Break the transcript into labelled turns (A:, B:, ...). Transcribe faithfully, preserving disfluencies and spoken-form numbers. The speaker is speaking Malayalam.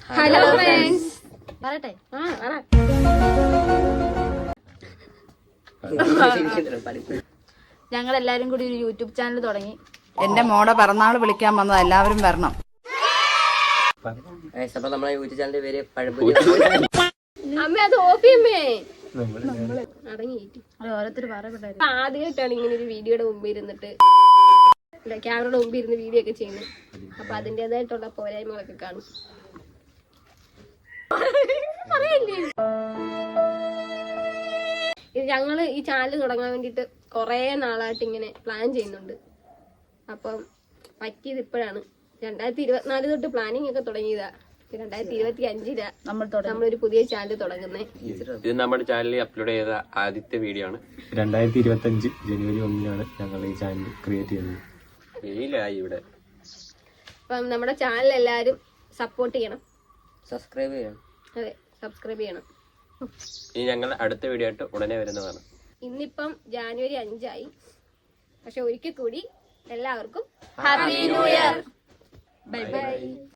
A: ഹലോ ഫ്രണ്ട്സ് പറയട്ടെ ഞങ്ങൾ എല്ലാരും കൂടി ഒരു യൂട്യൂബ് ചാനൽ തുടങ്ങി.
B: എന്റെ മോടെ പിറന്നാൾ വിളിക്കാൻ വന്നത് എല്ലാവരും വരണം.
C: അപ്പൊ നമ്മളെ യൂട്യൂബ് ചാനലിന്റെ പേര് പഴംപൊരി.
D: അമ്മ അത് ഓപ്പിയമ്മേ
A: ഓരോരുത്തർ പറയപ്പെട്ടായിരുന്നു.
D: ആദ്യമായിട്ടാണ് ഇങ്ങനെ ഒരു വീഡിയോയുടെ മുമ്പിൽ ഇരുന്നിട്ട് ക്യാമറയുടെ മുമ്പിൽ ഇരുന്ന് വീഡിയോ ഒക്കെ ചെയ്യുന്നത്. അപ്പൊ അതിൻ്റെതായിട്ടുള്ള പോരായ്മകളൊക്കെ കാണും. ഇത് ഞങ്ങള് ഈ ചാനൽ തുടങ്ങാൻ വേണ്ടിട്ട് കൊറേ നാളായിട്ട് ഇങ്ങനെ പ്ലാൻ ചെയ്യുന്നുണ്ട്. അപ്പം പറ്റിയത് ഇപ്പോഴാണ്. രണ്ടായിരത്തി ഇരുപത്തിനാല് തൊട്ട് പ്ലാനിങ് ഒക്കെ തുടങ്ങിയതാ. രണ്ടായിരത്തി ഇരുപത്തി അഞ്ചിലാ നമ്മൾ നമ്മളൊരു പുതിയ ചാനൽ തുടങ്ങുന്നത്.
C: ഇത് നമ്മുടെ ചാനലിൽ അപ്ലോഡ് ചെയ്ത ആദ്യത്തെ വീഡിയോ ആണ്.
E: രണ്ടായിരത്തി ഇരുപത്തി അഞ്ച് ജനുവരി ഒന്നിനാണ് ഞങ്ങൾ ഈ ചാനൽ ക്രിയേറ്റ് ചെയ്തത്.
C: വെയിലായി ഇവിടെ.
D: അപ്പം നമ്മുടെ ചാനൽ എല്ലാവരും സപ്പോർട്ട് ചെയ്യണം,
C: സബ്സ്ക്രൈബ് ചെയ്യണം.
D: അതെ സബ്സ്ക്രൈബ് ചെയ്യണം.
C: ഇനി ഞങ്ങൾ അടുത്ത വീഡിയോ ആയിട്ട് ഉടനെ വരുന്നതാണ്.
D: ഇന്നിപ്പം ജാനുവരി അഞ്ചായി. പക്ഷെ ഒരിക്കൽ കൂടി എല്ലാവർക്കും
A: happy new year.
D: Bye by.